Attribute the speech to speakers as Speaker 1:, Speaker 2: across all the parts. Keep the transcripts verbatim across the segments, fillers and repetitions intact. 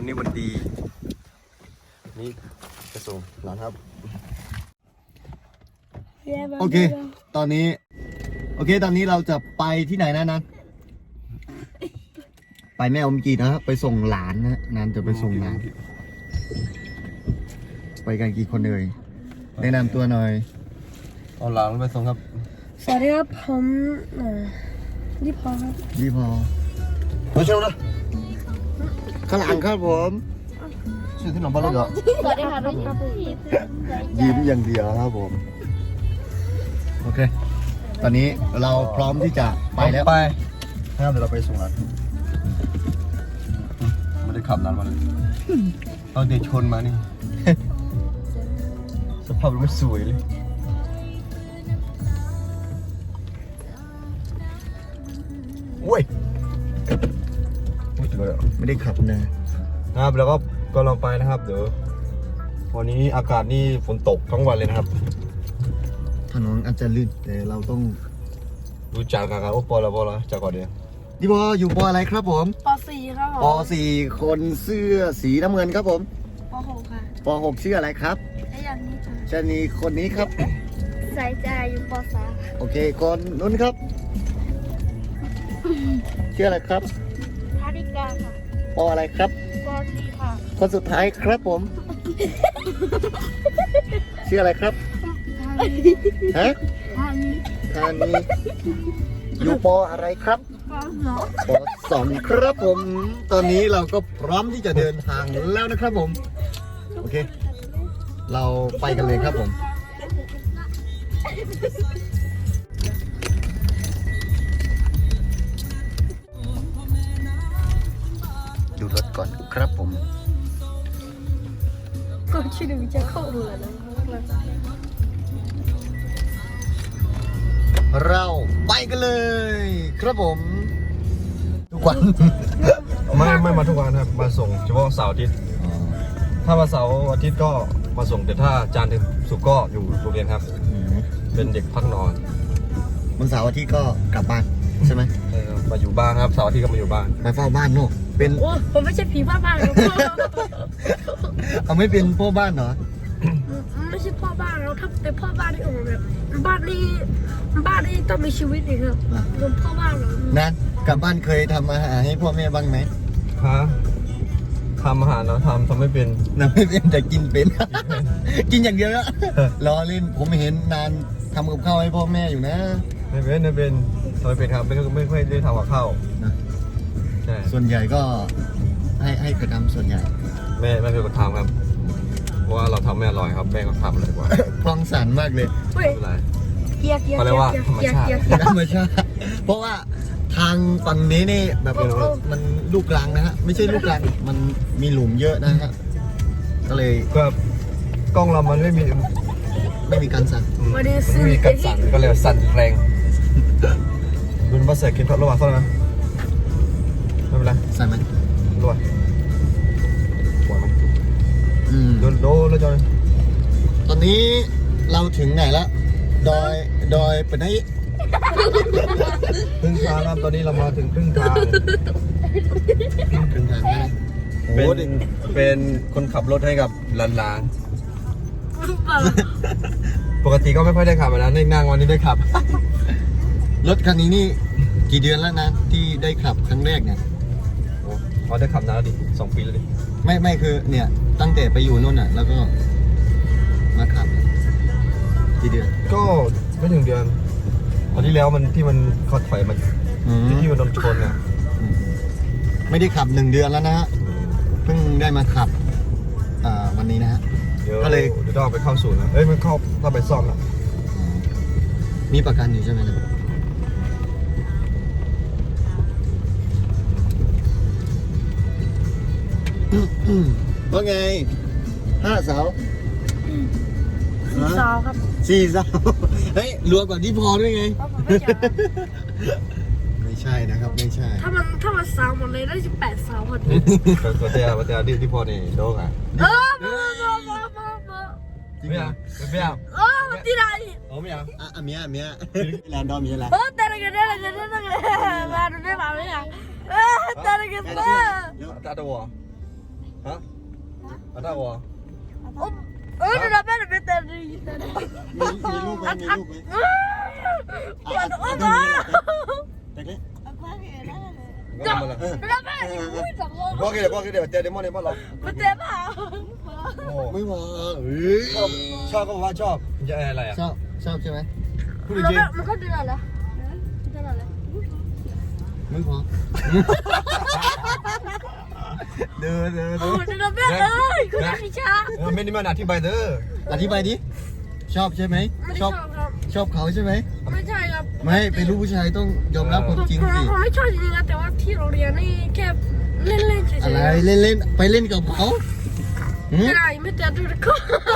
Speaker 1: วันนี้วันดีนี่จะส่งหลานครับโอเคตอนนี้โอเคตอนนี้เราจะไปที่ไหนนะนันไปแม่อมกีนะครับไปส่งหลานนะนันจะไปส่งหลานไปกันกี่คนเลยแนะนำตัวหน่อยเอาหลานไปส่งครับ
Speaker 2: สวัสดีครับผมยี่พอครับ
Speaker 1: ยี่พอมาเชียวนะข้างหลังครับผมชื่อที่หนองบ้านเลยเหรอ
Speaker 2: สวัสดีครับ
Speaker 1: ยิ้มอย่างเดียวครับผมโอเคตอนนี้เราพร้อมที่จะไปแล้วไปถ้าเดี๋ยวเราไปส่งหลานไม่ได้ขับนานมาเลยเอาเดชชนมานี่สภาพมันไม่สวยเลยโอ้ยไม่ได้ขับนะครับแล้วก็ก็ลองไปนะครับเดี๋ยววันนี้อากาศนี่ฝนตกทั้งวันเลยนะครับถนนอาจจะลื่นแต่เราต้องรู้จักกันโอ้ปอละปอละจากก่อนเดียวนี่พออยู่ปออะไรครับผม
Speaker 2: ปสี่ครับผม
Speaker 1: ปสี่คนเสื้อสีน้ำเงินครับผม
Speaker 2: ปหกค่ะ
Speaker 1: ปหกชื่ออะไรครับ
Speaker 2: ไอ้อย่างนี้ค่ะ
Speaker 1: ชนีคนนี้ครับ
Speaker 2: สายใจอยู่ปสาม
Speaker 1: โอเคคนนู้นครับชื่ออะไรครับ
Speaker 2: ธาริกาค่ะ
Speaker 1: ปออะไรครับ
Speaker 2: ปสี่ค่ะ
Speaker 1: คนสุดท้ายครับผมชื่ออะไรครับฮะ
Speaker 2: ทานี
Speaker 1: ทานีอยู่ปออะไรครับ
Speaker 2: ปสอง
Speaker 1: ปอสองครับผมตอนนี้เราก็พร้อมที่จะเดินทางแล้วนะครับผมโอเคเราไปกันเลยครับผมดูรถก่อนครับผม
Speaker 2: ก็ชื่อดูจะเข้าเรือนะ
Speaker 1: เราไปกันเลยครับผมทุกวันไม่ไม่มาทุกวันครับมาส่งเฉพาะเสาร์อาทิตย์ถ้ามาเสาร์อาทิตย์ก็มาส่งแต่ถ้าจันทร์ถึงศุกร์ก็อยู่โรงเรียนครับเป็นเด็กพักนอนวันเสาร์อาทิตย์ก็กลับบ้านใช่ไหมมาอยู่บ้านครับเสาร์อาทิตย์ก็มาอยู่บ้านมาเฝ้าบ้านเนาะเป็น
Speaker 2: โอ้ผมไม่ใช่ผีพ่อบ้านครับ
Speaker 1: เอาไม่เป็นพ่อบ้านเหรอ
Speaker 2: ไม่ใช่พ่อบ้านเราถ้าเป็นพ่อบ้านนี่โอ้แบบบ้านนี้บ้านนี้ต้องมีชีวิตอีกครับรวมพ่อบ้านเรา
Speaker 1: นั่นกลับบ้านเคยทำอาหารให้พ่อแม่บ้างไหม
Speaker 3: ฮะทำอาหารเนาะทำทำไม่เป็น
Speaker 1: ทำไม่เป็นแต่กินเป็น กินอย่างเดียวแล้วรอเล่นผมเห็นนานทำกับข้าวให้พ่อแม่อยู่นะ
Speaker 3: ไม่เป็นไม่เป็นทำไม่เป็นครับไม่ไม่ค่อยได้ทำกับข้าว
Speaker 1: นะ
Speaker 3: ใช่
Speaker 1: ส่วนใหญ่ก็ให้ให้กระทำส่วนใหญ่
Speaker 3: แม่แม่เป็นคนทำครับเพราะว่าเราทำไม่อร่อยครับแม่ก็ทำเลยกว่า
Speaker 1: พองสารมากเลย
Speaker 3: ไม่เป็นไร
Speaker 2: เกียร์เกียร์
Speaker 3: เขาเรียกว่าธรรมชาติ
Speaker 1: ธรรมชาติเพราะว่าทางฝั่งนี้นี่แบบมันลูกรังนะฮะไม่ใช่ลูกรังมันมีหลุมเยอะนะฮะก็เลย
Speaker 3: ก็กล้องเรามันไม่มี
Speaker 1: ไม่มีการสั่น
Speaker 3: ไม่มีการสั่นก็เลยสั่นแรงเป็นภาษากินทอดระหว่างเท่านั้นไม่เป็นไร
Speaker 1: สั่นไหม
Speaker 3: ระหว่างปวดไหม
Speaker 1: อืม
Speaker 3: โดนโดนแล้วจอย
Speaker 1: ตอนนี้เราถึงไหนละดอยดอยเป็นไหน
Speaker 3: ครึ่งทางครับตอนนี้เรามาถึงครึ่งทาง
Speaker 1: ครึ่งทางนะ
Speaker 3: เป็นเป็นคนขับรถให้กับหลานๆปกติก็ไม่ค่อยได้ขับนะนั่งนั่งวันนี้ได้ขับ
Speaker 1: รถคันนี้นี่กี่เดือนแล้วนะที่ได้ขับครั้งแรกเนี่ย
Speaker 3: โอ้เขาได้ขับนานแล้วดิสองปีแล้วดิ
Speaker 1: ไม่ไม่คือเนี่ยตั้งแต่ไปอยู่นู่นน่ะแล้วก็มาขับกี่เดือน
Speaker 3: ก็ไม่ถึงเดือนตอนที่แล้วมันที่มันเขาถอยมันที่มันโดนชนอ่ะ
Speaker 1: ไม่ได้ขับหนึ่งเดือนแล้วนะฮะเพิ่งได้มาขับวันนี้นะฮะ
Speaker 3: ก็เลยเดี๋ยวต้องไปเข้าศูนย์นะเอ้ยมันเข้าเข้าไปซ่อมแล้ว
Speaker 1: มีประกันอยู่ใช่ไหมนะว่าไงห้าเสา
Speaker 2: สี่สาวครับ
Speaker 1: สี่สาวเฮ้ยรวมกับที่พอด้วยไงไม่ใช่นะครับไม่ใช่
Speaker 2: ถ้ามันถ้ามันสาวหมดเลยได้สิบแปดสาวพอดี
Speaker 3: ตัวเตี้ยตัวเตี้ยที่ที่พอนี่โดกอ่ะ
Speaker 2: เออมามามามามา
Speaker 3: ไม่เอาไม่เอา
Speaker 2: เออที่ไหน
Speaker 3: โอ้ไม่เอา
Speaker 1: อ่ะเมียเมียแลนดอมมีอะไร
Speaker 2: เออแต่ละกันแต่ละกันแต่ละกันมาดูได้มาไหมอ่ะเออแต่ละกันเออ
Speaker 3: ตาตัว
Speaker 1: ฮะอันนั้นวะ
Speaker 2: เออเดี๋ยวเราไปเดี๋ยวไปเต้นดี
Speaker 3: มีมีลูกไหมมีลูกไหม
Speaker 2: ปวดอ้อม
Speaker 3: ต้
Speaker 2: อ่ะ
Speaker 3: เด็กเล็ก
Speaker 2: เดี๋ยวเราไปอุ้ยสองโล
Speaker 1: พ่อกินเดี๋ยวพ่อกินเดี๋ยวเจอเดมอนในบ้านเรา
Speaker 2: ไปเต้นเปล่า
Speaker 3: ไม่มาเอ้ย
Speaker 1: ชอบก็บอกว่าชอบจะอะไรอ่ะ
Speaker 3: ชอบชอบใช่ไหม
Speaker 1: พูด
Speaker 2: เรา
Speaker 1: จริง
Speaker 2: แบบมันก็เดือดแล้วเดือดแล้ว
Speaker 3: ไม่พอเดินเดิน
Speaker 2: โอ้เดือดแบบเลยคุณอาคิชา
Speaker 1: เออไม่ได้มาอธิบายเด้อ
Speaker 3: อธิบายดิชอบใช่ไหม
Speaker 2: ไม่
Speaker 3: ช
Speaker 2: ช
Speaker 3: อ
Speaker 2: อ
Speaker 3: บบ
Speaker 2: ครับ
Speaker 3: ชอบเขาใช่ไหม
Speaker 2: ไม่ใช่ครับ
Speaker 3: ไม่เป็นลูกผู้ชายต้องยอมรับความจริง
Speaker 2: ผม
Speaker 3: สิ
Speaker 2: ผมไม่ชอบจริงๆนะแต่ว่าที่โรงเรียนนี่แค่เล่นๆเฉยๆ
Speaker 3: อะไรเล่นเล่นไปเล่นกับเขาหืม
Speaker 2: ไม่ได้ไม่เจอดูก็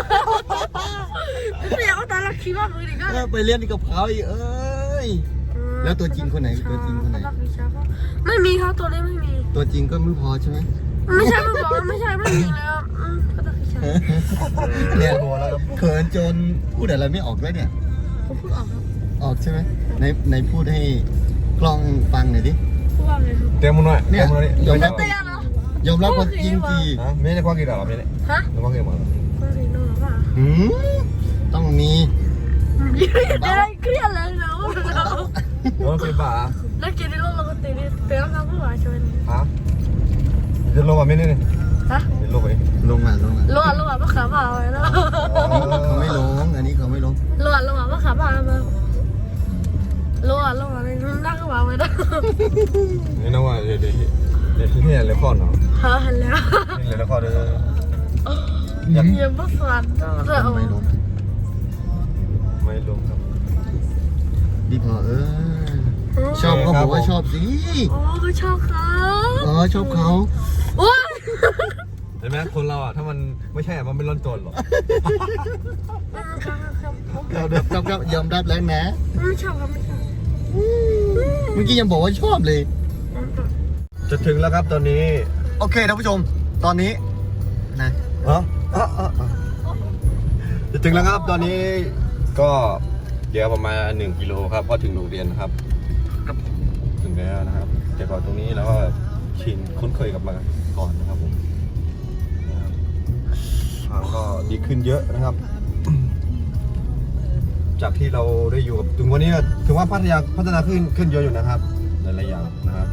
Speaker 2: ไม่อยากเอาตาลักคิดว่ามือดีก็
Speaker 3: เออไปเล่นกับเขาอีกเอ้ย แล้วตัวจริงคนไหนตัวจริงคนไหน
Speaker 2: ไม่มีครับตัวนี้ไม่มี
Speaker 3: ตัวจริงก็ไม่พอใช่ไหม
Speaker 2: ไม่ใช่ไม่บอกไม่ใช่ไม่มีแล้วอืมก็ต้องใช่
Speaker 3: เนี่ยเขินจนพูดอะไรไม่ออกเลยเนี่ย
Speaker 2: ผมพูดออกครับ
Speaker 3: ออกใช่ไหมในในพูดให้กล้องฟังหน่อยดิ
Speaker 2: พูดว่าไงครับ
Speaker 1: เต็มหน่อย
Speaker 3: เนี่ย
Speaker 1: เต็มหน่อย
Speaker 3: ยอมรับ
Speaker 2: เตี้ยเหรอย
Speaker 3: อมรับความจริงสิ
Speaker 1: ฮะไม่ได้ความกินหรอไม่ได้
Speaker 2: ฮะ
Speaker 1: ไม่ความกินหรอ
Speaker 2: ก็เรียนรู้ว่า
Speaker 3: หืมต้องมี
Speaker 2: เดี๋ยวเครียดเลยเนาะ
Speaker 1: น้องเคยป่า
Speaker 2: แล้วกินในโลกเราก็ตีนี่เตี้ยครับผู้ว่าชวน
Speaker 1: ฮะจะลงมาไม่ได้เนี่ย
Speaker 2: ฮะ
Speaker 1: จะลงไป
Speaker 3: ลงมาลงมา
Speaker 2: ลวดลวดมะขามเอาไว้แล้ว
Speaker 3: เขาไม่ลงอันนี้เขาไม่ลง
Speaker 2: ลวดลวดมะขามเอามาลวดลวดนี่นั่งก็วางไว้แล้ว
Speaker 1: นี่นะว่าเดี๋ยวเดี๋ยวเดี๋ยวที่นี่เลยข้อเนาะ
Speaker 2: ฮะเห็นแล้ว
Speaker 1: นี่เลยข้อเด้อ
Speaker 2: อย่าเยี่ยมสวนเด้อ
Speaker 3: ไม่ลง
Speaker 1: ไม่ลงครับ
Speaker 3: ดีพอเออชอบก็บอกว่าชอบสิ
Speaker 2: โอ้ก็ชอบเขา
Speaker 3: อ๋อชอบเขา
Speaker 2: โอ้ย
Speaker 1: เห็นไหมคนเราอ่ะถ้ามันไม่ใช่มันไม่ร้อนตัวหรอก
Speaker 2: ครับครับ
Speaker 3: เราเดิมกับกับยอมรับแล้วนะ
Speaker 2: ไม่ชอบครับไม่ชอบ
Speaker 3: เมื่อกี้ยังบอกว่าชอบเลย
Speaker 1: จะถึงแล้วครับตอนนี้
Speaker 3: โอเคท่านผู้ชม ตอนนี้นะ
Speaker 1: อ๋ออ๋ออ๋อจะถึงแล้วครับตอนนี้ก็เดี๋ยวประมาณหนึ่งกิโลครับพอถึงโรงเรียนนะครับถึงแล้วนะครับแต่ก่อนตรงนี้แล้วก็ชินคุ้นเคยกับมาก่อนนะครับผมนะครับทางก็ดีขึ้นเยอะนะครับ จากที่เราได้อยู่กับถึงวันนี้ถือว่าพัฒนาพัฒนาขึ้นขึ้นเยอะอยู่นะครับหลายๆอย่างนะครับ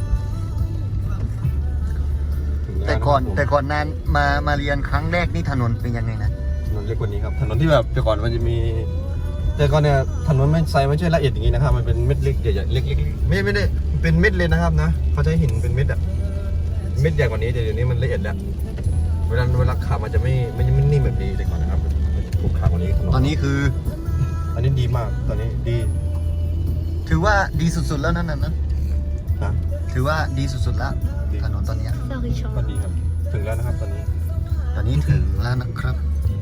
Speaker 1: ถึงล้ว
Speaker 3: แต่ก่อนะครับผม
Speaker 1: นะครับ
Speaker 3: แต่ก่อนนานมามาเรียนครั้งแรกนี่ถนนเป็นยังไงนะ
Speaker 1: ถนนเล็กกว่านี้ครับถนนที่แบบแต่ก่อนมันจะมี แต่ก่อนเนี่ยถนนไม่ใส่ไม่ใช่ละเอียดอย่างนี้นะครับมันเป็นเม็ดเล็กใหญ่ๆเล็กๆไม่ไม่ได้เป็นเม็ดเลยนะครับนะเขาใช้หินเป็นเม็ดอะเม็ดใหญ่กว่านี้แต่เดี๋ยวนี้มันละเอียดแล้วเวลาเวลาขับมันจะไม่ไม่ไม่นิ่มแบบนี้แต่ก่อนนะครับมันจะผูกขาดกว่านี้ถนน
Speaker 3: ตอนนี้คือ
Speaker 1: อันนี้ดีมากตอนนี้ดี
Speaker 3: ถือว่าดีสุดๆแล้วนั่นน่ะนะ
Speaker 1: นะ
Speaker 3: ถือว่าดีสุดๆแล้ว
Speaker 1: ดี
Speaker 3: ถนนตอนเนี้ย
Speaker 2: ชอบคือชอบ
Speaker 1: ก็ดีครับถึงแล้วนะครับตอนนี้
Speaker 3: ตอนนี้ถึงแล้วนะครับ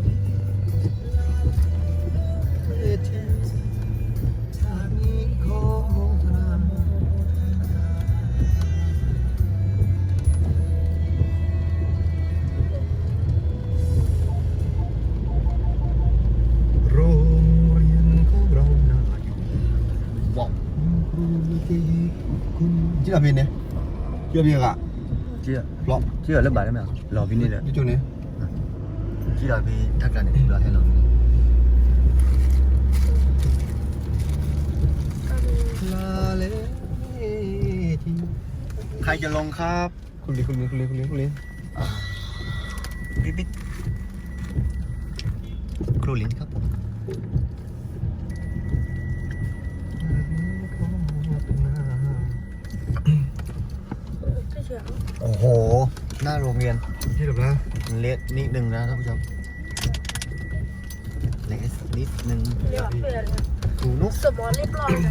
Speaker 1: โรงเรียนของเราน่าอยู่
Speaker 3: บอก
Speaker 1: ครูที่คุณชื่ออะไรเนี่ยชื่ออะไรอะ
Speaker 3: เชื่อ
Speaker 1: เพราะ
Speaker 3: เชื่อเรื่องบาทได้ไหมรอพี่นี่เลย
Speaker 1: ที่จุดนี้
Speaker 3: ที่เราพี่ทักกันเนี่ยรอให้เรา
Speaker 1: ลาเลที
Speaker 3: ใครจะลงครับ
Speaker 1: คุณลีคุณลีคุณลีคุณลีคุณลี
Speaker 3: พี่บิ๊กครูลินครับผมโอ้โห หน้าโรงเรียน
Speaker 1: ที่แบบนะ
Speaker 3: มันเละนิดนึงนะท่านผู้ชมเละนิดนึง
Speaker 2: เรียกว่าเปลี่ยน
Speaker 3: ครูนุก
Speaker 2: สมองเรียบร้อยเลย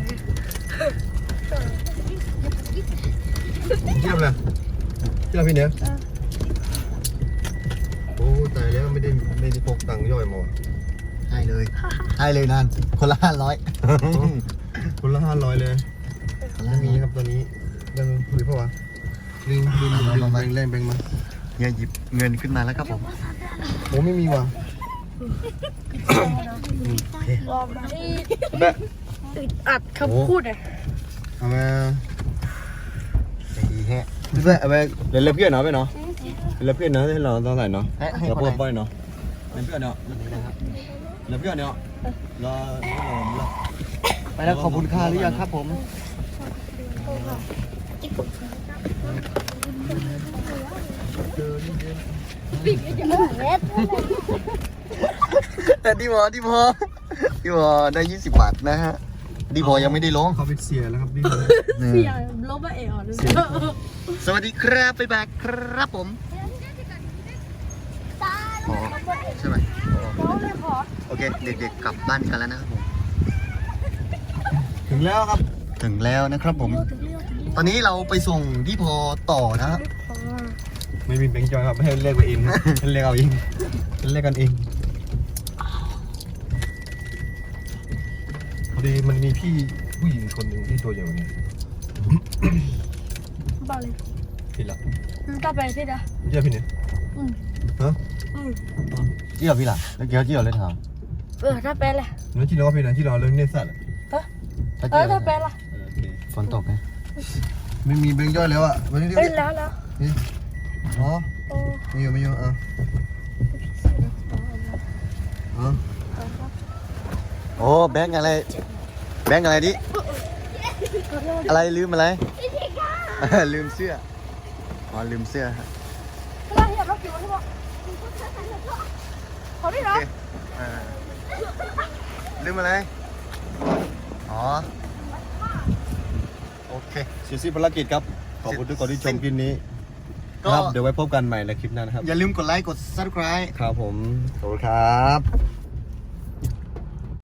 Speaker 1: เทียบเลยเทียบพี่เนี้ยโอ้ตายแล้วไม่ได้ไม่ได้พกตังค์ย่อยมา
Speaker 3: ให้เลย ให้เลยนั่นคนละห้าร้อย
Speaker 1: คนละห้าร้อยเลย
Speaker 3: คนละ
Speaker 1: ไม่
Speaker 3: ห้า
Speaker 1: มี
Speaker 3: ร้อย
Speaker 1: ครับตอนนี้ยังหรือเปล่าวะดึงดึงดึงดึงแบ่งแรงแบ่งมา
Speaker 3: เฮียหยิบเงินขึ้นมาแล้วครับผม
Speaker 1: โอ้ไม่มีว่ะ
Speaker 2: ลองมาที่
Speaker 1: แบะ
Speaker 2: อึดอัดคำพูดอ่ะ
Speaker 1: เอามา
Speaker 3: ใจดีแฮะ
Speaker 1: แบะเอาไปเดี๋ยวเล็บเพื่อนเนาะไปเนาะแล้วเพื่อนเนาะให้เราต้องใส่เนาะ
Speaker 3: ให้ให้
Speaker 1: เรา
Speaker 3: คน
Speaker 1: พู
Speaker 3: ไห
Speaker 1: ด
Speaker 3: น
Speaker 1: บ่อยเนาะแล้วเพื่อนเนาะแล้วเพื่อนเนาะรอรอ
Speaker 3: ไปแล้วขอบคุณค่าหรือยังครับผม แต่ดีพอดีพอดีพอได้ยี่สิบบาทนะฮะดีพอยังไม่ได้ลง
Speaker 1: เขาเป็นเสียแล้วครับนี่
Speaker 2: เสียลบมาเอ๋อเลย
Speaker 3: สวัสดีครับไปแบกครับผมอ๋อใช่ไหมโอเคเด็กๆกลับบ้านกันแล้วนะครับผม
Speaker 1: ถึงแล้วครับ
Speaker 3: ถึงแล้วนะครับผม ตอนนี้เราไปส่งที่พอต่อนะครับ
Speaker 1: ไม่มีแบงค์จอยครับให้เรียกไปเองครับให้เรียกเอาเองให้เรียกกันเองพอดีมันมีพี่ผู้หญิงคนหนึ่งที่ตัวใหญ่กว่านี้
Speaker 2: บ้าเลย
Speaker 1: ผิดละ
Speaker 2: กลับไปที่เด้อ
Speaker 1: เยี่ยพี่เนี่ย
Speaker 2: อืม
Speaker 1: ฮะ
Speaker 2: อืม
Speaker 3: เจียวพี่ล่ะแล้วเจียวเจียวเลยถาม
Speaker 2: เออถ้าไปเลย
Speaker 1: นั่นที่เราพี่นะที่เราเรื่องเนื้อสัตว์
Speaker 2: เออถ้าไปละ
Speaker 1: โอเค
Speaker 3: ฝนตกไหมไม่มีแบงค์ย่อยแล้วอ่ะวันนี้เดี๋ยว
Speaker 2: เอ้ยแล้วแล้ว
Speaker 3: นี่อ๋อ
Speaker 2: โอ้
Speaker 3: ไม่อยู่ไม่อยู่อ่ะอ๋อโอ้แบงค์อะไรแบงค์อะไรดิอะไรลืมอะไร ลืมเสื้ออ๋อลืมเสื้อฮะ
Speaker 2: เราอยากเราอยู่ที่บอกเขาไม่
Speaker 3: โอ
Speaker 2: รั
Speaker 3: เค
Speaker 2: บ
Speaker 3: อ่าลืมอะไรอ๋อโอเค
Speaker 1: เสียสิ้นภารกิจครับขอบคุณทุกคนที่ชมคลิปนี้
Speaker 3: ก็
Speaker 1: ครับเดี๋ยวไว้พบกันใหม่ในคลิปหน้านะครับ
Speaker 3: อย่าลืมกดไลค์กด ซับสไครบ์
Speaker 1: ครับผมขอบคุณครับ